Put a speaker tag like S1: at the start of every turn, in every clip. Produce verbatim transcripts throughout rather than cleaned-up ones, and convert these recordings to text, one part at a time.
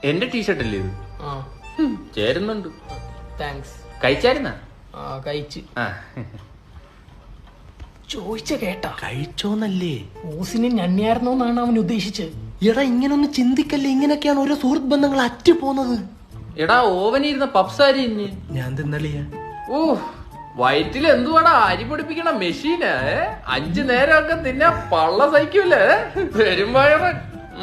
S1: എന്റെ ടീഷർട്ട് അല്ലേ ഇത്? ചേരുന്നുണ്ട്.
S2: താങ്ക്സ്.
S1: കഴിച്ചായിരുന്നാ?
S2: കഴിച്ച്.
S1: ആ
S2: ചോദിച്ച കേട്ടാ?
S3: കഴിച്ചോന്നല്ലേ?
S2: ഓസിനെ ഞണ്ണിയായിരുന്നോന്നാണ് അവൻ ഉദ്ദേശിച്ചത്.
S3: എടാ ഇങ്ങനൊന്ന് ചിന്തിക്കല്ലേ, ഇങ്ങനെയൊക്കെയാണ് ഓരോ സുഹൃത്ത് ബന്ധങ്ങൾ അറ്റു പോകുന്നത്.
S1: എടാ ഓവനിരുന്ന പപ്സാരി ഇഞ്ഞ്
S3: ഞാൻ തിന്നളിയാ.
S1: ഓ വയറ്റിൽ എന്തുവാടാ അരി പൊടിപ്പിക്കണ മെഷീന്. അഞ്ചു നേരമൊക്കെ തിന്നാ പള്ള സഹിക്കൂലേ പെരുമ്പഴവൻ.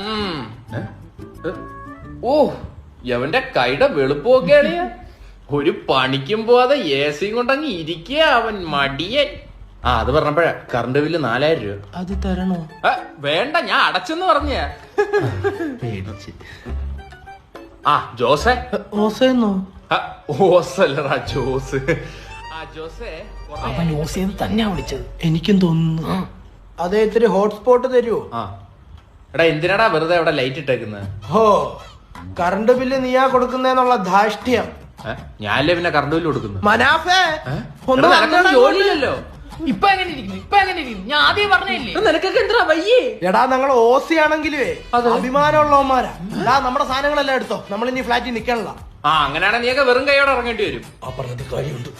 S1: ഓ എവന്റെ കൈയുടെ വെളുപ്പൊക്കെയാണ്. ഒരു പണിക്കും പോവാതെ എ സിയും കൊണ്ടങ്ങ് ഇരിക്കുക അവൻ മടിയൻ. ആ അത് പറഞ്ഞപ്പോഴാ കറണ്ട് ബില്ല് നാലായിരം രൂപ.
S3: അത് തരണോ?
S1: വേണ്ട ഞാൻ അടച്ചെന്ന് പറഞ്ഞ.
S3: പേടിച്ച്.
S1: ആ ജോസേ.
S3: ഓസെന്നോ?
S1: ഓസല്ലടാ ജോസ്. ആ ജോസേ
S2: അവൻ ഓസിയത് തന്നെയാ വിളിച്ചത്.
S3: എനിക്കും തോന്നുന്നു.
S4: അതെ, ഇത്തിരി ഹോട്ട്സ്പോട്ട് തരുമോ?
S1: ആ എടാ എന്തിനാടാ വെറുതെ അവിടെ ലൈറ്റ് ഇട്ടേക്കുന്നത്?
S4: ഹോ, കറണ്ട് ബില്ല് നീയാ കൊടുക്കുന്നേന്നുള്ള ധാഷ്ട്യം.
S1: ഞാനല്ലേ പിന്നെ കറണ്ട് ബില്ല് കൊടുക്കുന്നു.
S4: മനാഫേ
S1: എടാ, നിനക്കൊന്നും ജോലിയില്ലല്ലോ.
S2: ഇപ്പൊ എങ്ങനെ ഇരിക്കുന്നു? ഇപ്പൊ എങ്ങനെ ഇരിക്കുന്നു? ഞാൻ ആദ്യം പറഞ്ഞില്ലേ
S1: നിനക്കൊക്കെ എന്താ വയ്യേ?
S4: എടാ ഞങ്ങൾ ഓസി ആണെങ്കിലേ അഭിമാനമുള്ളവന്മാരാ. എടാ നമ്മുടെ സാധനങ്ങളെല്ലാം എടുത്തോ, നമ്മൾ ഇനി ഫ്ലാറ്റിൽ നിക്കണല്ല.
S1: ആ അങ്ങനെയാണെങ്കിൽ നീയൊക്കെ വെറും കൈയോടെ ഇറങ്ങേണ്ടി വരും.
S4: ആ പറഞ്ഞത് കാര്യമുണ്ട്.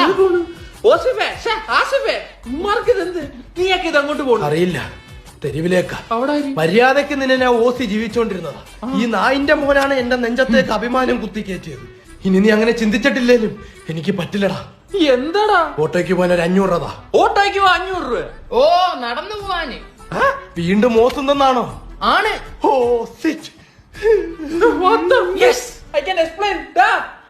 S1: നീയൊക്കെ ഇത് അങ്ങോട്ട് പോകും
S4: അറിയില്ല, തെരുവിലേക്കാ.
S1: അവിടെ
S4: മര്യാദക്ക് നിന്നെ ഞാൻ ഓസി ജീവിച്ചോണ്ടിരുന്നതാ. ഈ നായിന്റെ മോനാണ് എന്റെ നെഞ്ചത്തേക്ക് അഭിമാനം കുത്തിക്കയറ്റിയത്. ഇനി നീ അങ്ങനെ ചിന്തിച്ചിട്ടില്ലേലും എനിക്ക് പറ്റില്ലടാ.
S1: എന്താടാ?
S4: ഓട്ടോയ്ക്ക് പോകാൻ ഒരു അഞ്ഞൂറ് രൂപ.
S1: ഓട്ടോയ്ക്ക് പോ അഞ്ഞൂറ് രൂപ.
S2: ഓ നടന്നു പോവാന്.
S4: വീണ്ടും ഓസുന്നാണോ?
S2: ആണ്.
S4: Oh shit.
S1: What the? Yes, I can explain that.